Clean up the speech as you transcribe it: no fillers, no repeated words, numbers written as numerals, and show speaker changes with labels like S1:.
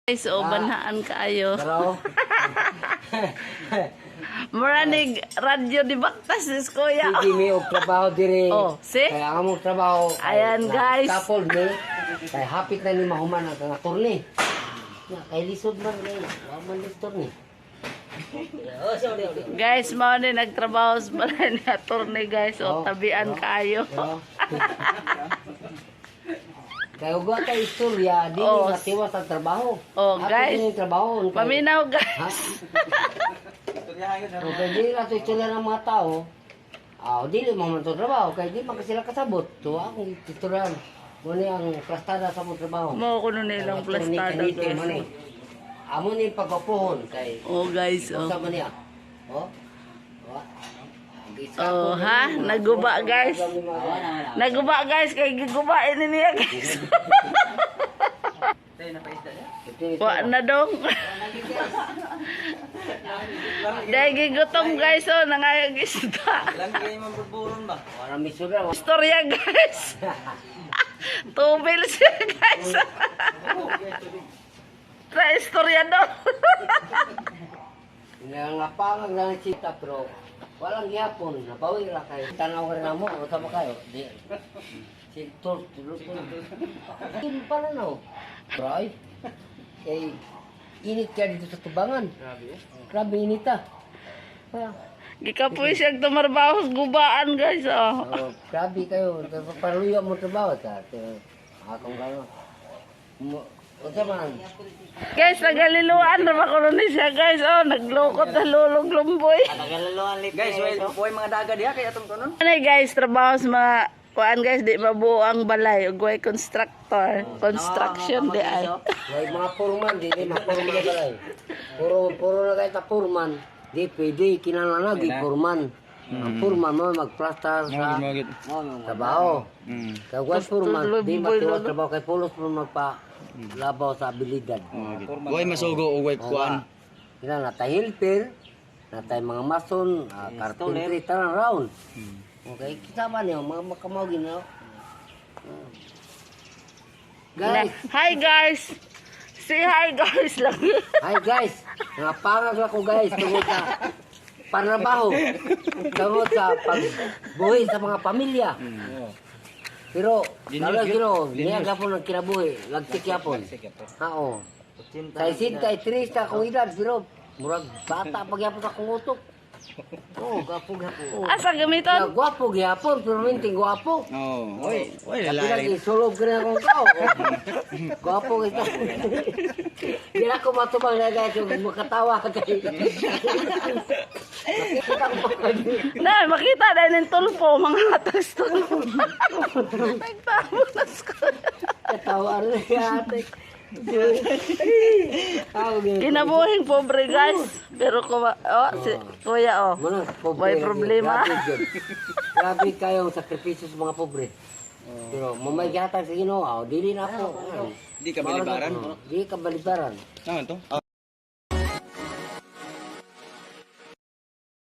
S1: Guys, o banhaan kaayo.
S2: Pero,
S1: Maranig radyo di baktas sis kuya.
S2: sige mi og trabaho diri.
S1: Oh, see?
S2: Kaya ang among trabaho.
S1: Ayan, guys.
S2: Couple ni. Kaya hapit na ni mahuman ang kangator ni. Ya, kay lisod man ni. Wa man lisod ni. Oh, sorry.
S1: Guys, mao ni nagtrabaho sa balay ni attorney guys. O tabian kaayo.
S2: Kaya uga ka istorya, di
S1: Oh.
S2: ni matiwas ang trabaho.
S1: Oh, guys.
S2: Ang trabaho.
S1: Paminaw
S2: Ha?
S1: guys.
S2: Okay, di na ito istorya ng mga tao. Di mo man ito trabaho, kaya di man ka sila kasabot. So, akong istoryan. Muna ang plastada sa mong trabaho.
S1: Mo kuno nilang plastada guys.
S2: Amo ni pagpapuhon kay
S1: Oh guys, oh.
S2: sa man niya. Oh.
S1: Oh ha, naguba guys. Naguba guys kay gigubain ni niya guys. Wa na dong. Dahil gigutong guys oh, nangayag isda.
S3: Lang kayo mambuburon ba?
S2: Wala misura.
S1: Istorya guys. Tubil siya guys. Sa istorya daw.
S2: Nangapangang lang sita pero walang gyapon. Nabawi ra kay tanaw ka na mo o tama kayo. Di. Sintor tulog ko. Hindi pa na no. Right? Eh, init ka dito sa tubangan. Grabe init ah.
S1: Gikapoy siya tumarbaho sa gubaan guys oh.
S2: Grabe kayo. Paruyo mo trabaho ta. Akong gano. O man.
S1: Guys, nagaliluan na makulo ni siya guys oh, naglukot na lulog lumboy.
S3: Nagalaluan lit. Guys, way mga daga diha kay atong tunon.
S1: Ano guys, trabaho sa mga kuan guys, di mabuo ang balay, ugway constructor, construction di ay.
S2: May mga purman, di mga purman na balay. Puro na kahit na purman. Di pwede, kinananagi purman. Ang purman mo magplastar sa trabaho. Kaya kung purman, di matiwas trabaho kay pulos mo magpa-labaw sa abilidad.
S3: Way masugo o way kuan.
S2: Kina natay helper, natay mga mason, carpentry, tarang round. Okay, kita man yun, mga makamawagin na. Guys,
S1: Hi guys. Say hi guys lang.
S2: hi guys, mga pangag ako guys, tungkol sa panrabaho, tungkol sa pagbuhay sa mga pamilya. Pero, lalo gino, niya gapon ang kinabuhi, lagtik yapon. Oo. Sa isin kay Trista akong edad, pero murag bata pagyapon akong utok. Oo, gwapo gyapon.
S1: Asa gamiton?
S2: Gwapo gyapon, pero minting gwapo.
S3: Oh, oy, oy
S2: Tapi
S3: lalaki.
S2: lagi sulog ka na akong tao. Gwapo kita. Hindi na ako matubang na guys, yung makatawa ka kayo. Nakikita ko pa kayo.
S1: Na, makita dahil ng tulpo, mga hatas tulpo. Nagtamo na ko.
S2: Katawa rin yung ate.
S1: Kinabuhing pobre guys. Pero si kuya oh. May problema.
S2: Grabe kayong sakripisyo sa mga pobre. Pero mamay gatag sa Ginoo, dili na ako.
S3: Di ka balibaran.
S2: Di ka balibaran.
S3: Saan to?